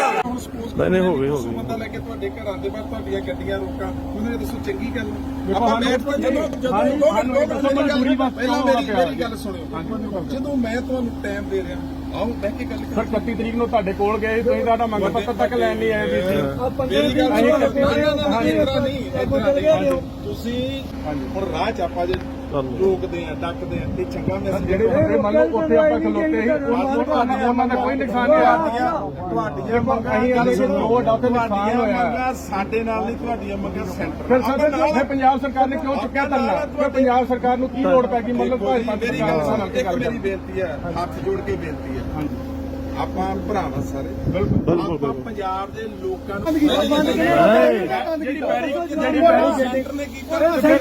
ਨਹੀਂ ਹੋ ਗਈ ਬੰਦਾ ਲੈ ਕੇ ਤੁਹਾਡੇ ਘਰਾਂ ਦੇ ਬਾਹਰ ਤੁਹਾਡੀਆਂ ਗੱਡੀਆਂ ਰੋਕਾਂ ਉਹਨੇ ਦੱਸੋ ਚੰਗੀ ਗੱਲ ਆਪਾਂ ਬੈਠ ਕੇ ਜਦੋਂ ਪਹਿਲਾਂ ਮੇਰੀ ਗੱਲ ਸੁਣਿਓ ਜਦੋਂ ਮੈਂ ਤੁਹਾਨੂੰ ਟਾਈਮ ਦੇ ਰਿਹਾ ਆਓ ਬਹਿ ਕੇ ਗੱਲ ਸਰ 31 ਤਰੀਕ ਨੂੰ ਤੁਹਾਡੇ ਕੋਲ ਗਏ ਤੁਸੀਂ ਸਾਡਾ ਮੰਗ ਪੱਤਰ ਤੱਕ ਲੈਣ ਲਈ ਆਏ ਮੇਰੀ ਗੱਲ ਨਹੀਂ ਤੁਸੀਂ ਹੁਣ ਰਾਹ ਚ ਆਪਾਂ ਜੇ ਰੋਕਦੇ ਆ ਡੱਕਦੇ ਆ ਤੇ ਚੰਗਾ ਮੈਸੇਜ ਜਿਹੜੇ ਬੰਦੇ ਮੰਨ ਲਓ ਉੱਥੇ ਆਪਾਂ ਖਲੋਤੇ ਸੀ ਉਹਨਾਂ ਦਾ ਕੋਈ ਨੁਕਸਾਨ ਨਹੀਂ ਆਇਆ ਤੁਹਾਡੀਆਂ ਮੰਗਾਂ ਅਸੀਂ ਇਹਦੇ ਵਿੱਚ ਦੋ ਡਾਕਟਰ ਨੁਕਸਾਨ ਹੋਇਆ ਮੰਗਾਂ ਸਾਡੇ ਨਾਲ ਨਹੀਂ ਤੁਹਾਡੀਆਂ ਮੰਗਾਂ ਸੈਂਟਰ ਫਿਰ ਸਾਡੇ ਪੰਜਾਬ ਸਰਕਾਰ ਨੇ ਕਿਉਂ ਚੁੱਕਿਆ ਧਰਨਾ ਫਿਰ ਪੰਜਾਬ ਸਰਕਾਰ ਨੂੰ ਕੀ ਲੋੜ ਪੈ ਗਈ ਮਤਲਬ ਮੇਰੀ ਗੱਲ ਮੇਰੀ ਬੇਨਤੀ ਹੈ ਹੱਥ ਜੋੜ ਕੇ ਬੇਨਤੀ ਹੈ ਹਾਂਜੀ ਆਪਾਂ ਭਰਾਵਾਂ ਸਾਰੇ ਬਿਲਕੁਲ ਪੰਜਾਬ ਦੇ ਲੋਕਾਂ ਨੂੰ ਜਿਹੜੀ ਸੈਂਟਰ ਨੇ ਕੀਤਾ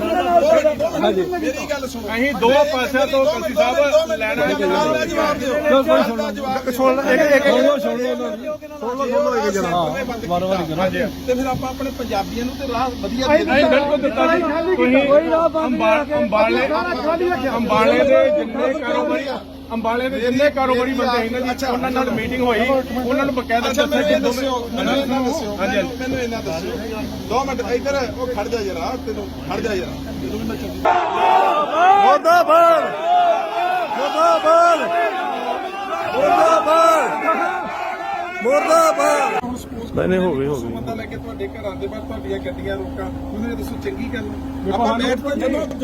ਮੇਰੀ ਗੱਲ ਸੁਣੋ ਅਸੀਂ ਦੋ ਪਾਸਿਆਂ ਤੋਂ ਕੰਸੀ ਸਾਹਿਬ ਲੈਣਾ ਜਵਾਬ ਦਿਓ ਤੇ ਫਿਰ ਆਪਾਂ ਆਪਣੇ ਪੰਜਾਬੀਆਂ ਨੂੰ ਤੇ ਰਾਹ ਵਧੀਆ ਦੇ ਬਿਲਕੁਲ ਦਿੱਤਾ ਜੀ ਤੁਸੀਂ ਅੰਬਾਲੇ ਦੇ ਜਿੰਨੇ ਕਾਰੋਬਾਰੀ ਅੰਬਾਲੇ ਦੇ ਜਿੰਨੇ ਕਾਰੋਬਾਰੀ ਬੰਦੇ ਇਹਨਾਂ ਦੀ ਉਹਨਾਂ ਨਾਲ ਮੀਟਿੰਗ ਹੋਈ ਉਹਨਾਂ ਨੂੰ ਬਕਾਇਦਾ ਦੱਸਿਆ ਕਿ ਮੈਨੂੰ ਇਹਨਾਂ ਦੱਸਿਓ 2 ਮਿੰਟ ਇੱਧਰ ਉਹ ਖੜ ਜਾ ਜਰਾ ਤੈਨੂੰ ਖੜ ਜਾ ਜਰਾ ਮੁਰਦਾਬਾਦ ਮੁਰਦਾਬਾਦ ਮੁਰਦਾਬਾਦ ਨਹੀਂ ਹੋ ਗਈ ਬੰਦਾ ਲੈ ਕੇ ਤੁਹਾਡੇ ਘਰਾਂ ਦੇ ਬਾਹਰ ਤੁਹਾਡੀਆਂ ਗੱਡੀਆਂ ਰੋਕਾਂ ਉਹਨੇ ਦੱਸੋ ਚੰਗੀ ਗੱਲ ਆਪਾਂ ਬੈਠ ਕੇ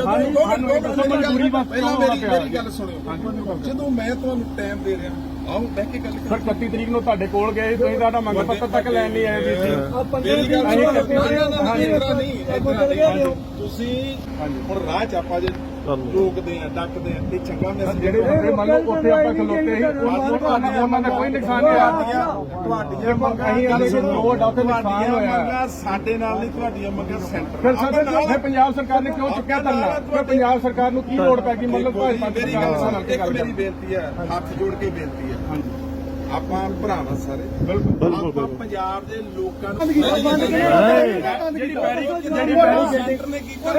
ਜਦੋਂ ਪਹਿਲਾਂ ਮੇਰੀ ਗੱਲ ਸੁਣਿਓ ਜਦੋਂ ਮੈਂ ਤੁਹਾਨੂੰ ਟਾਈਮ ਦੇ ਰਿਹਾ ਆਓ ਬਹਿ ਕੇ ਗੱਲ ਸਰ 31 ਤਰੀਕ ਨੂੰ ਤੁਹਾਡੇ ਕੋਲ ਗਏ ਤੁਸੀਂ ਸਾਡਾ ਮੰਗ ਪੱਤਰ ਤੱਕ ਲੈਣ ਲਈ ਆਏ ਮੇਰੀ ਗੱਲ ਨਹੀਂ ਤੁਸੀਂ ਹੁਣ ਰਾਹ ਚ ਆਪਾਂ ਜੇ ਰੋਕਦੇ ਆ ਡੱਕਦੇ ਆ ਤੇ ਚੰਗਾ ਮੈਸੇਜ ਜਿਹੜੇ ਬੰਦੇ ਮੰਨ ਲਓ ਉੱਥੇ ਆਪਾਂ ਖਲੋਤੇ ਸੀ ਉਹਨਾਂ ਦਾ ਕੋਈ ਨੁਕਸਾਨ ਨਹੀਂ ਆਇਆ ਤੁਹਾਡੀਆਂ ਮੰਗਾਂ ਅਸੀਂ ਇਹਦੇ ਵਿੱਚ ਦੋ ਡਾਕਟਰ ਨੁਕਸਾਨ ਹੋਇਆ ਸਾਡੇ ਨਾਲ ਨਹੀਂ ਤੁਹਾਡੀਆਂ ਮੰਗਾਂ ਸੈਂਟਰ ਫਿਰ ਸਾਡੇ ਪੰਜਾਬ ਸਰਕਾਰ ਨੇ ਕਿਉਂ ਚੁੱਕਿਆ ਧਰਨਾ ਫਿਰ ਪੰਜਾਬ ਸਰਕਾਰ ਨੂੰ ਕੀ ਲੋੜ ਪੈ ਗਈ ਮਤਲਬ ਮੇਰੀ ਬੇਨਤੀ ਹੈ ਹੱਥ ਜੋੜ ਕੇ ਬੇਨਤੀ ਹੈ ਹਾਂਜੀ ਆਪਾਂ ਭਰਾਵਾਂ ਸਾਰੇ ਬਿਲਕੁਲ ਪੰਜਾਬ ਦੇ ਲੋਕਾਂ ਨੂੰ ਜਿਹੜੀ ਸੈਂਟਰ ਨੇ ਕੀਤਾ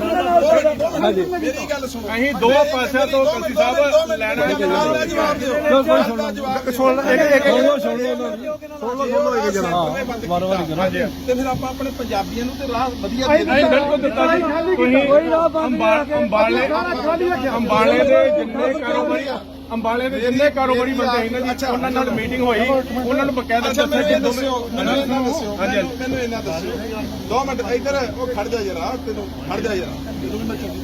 ਮੇਰੀ ਗੱਲ ਸੁਣੋ ਅਸੀਂ ਦੋ ਪਾਸਿਆਂ ਤੋਂ ਕੰਸੀ ਸਾਹਿਬ ਲੈਣਾ ਜਵਾਬ ਦਿਓ ਤੇ ਫਿਰ ਆਪਾਂ ਆਪਣੇ ਪੰਜਾਬੀਆਂ ਨੂੰ ਤੇ ਰਾਹ ਵਧੀਆ ਦੇ ਬਿਲਕੁਲ ਦਿੱਤਾ ਜੀ ਤੁਸੀਂ ਅੰਬਾਲੇ ਦੇ ਜਿੰਨੇ ਕਾਰੋਬਾਰੀ ਬੰਦੇ ਇਹਨਾਂ ਦੀ ਉਹਨਾਂ ਨਾਲ ਮੀਟਿੰਗ ਹੋਈ ਉਹਨਾਂ ਨੂੰ ਬਕਾਇਦਾ ਦੱਸਿਆ ਕਿ ਮੈਨੂੰ ਇਹਨਾਂ ਦੱਸਿਓ 2 ਮਿੰਟ ਇੱਧਰ ਉਹ ਖੜ ਜਾ ਜਰਾ ਤੈਨੂੰ ਖੜ ਜਾ ਜਰਾ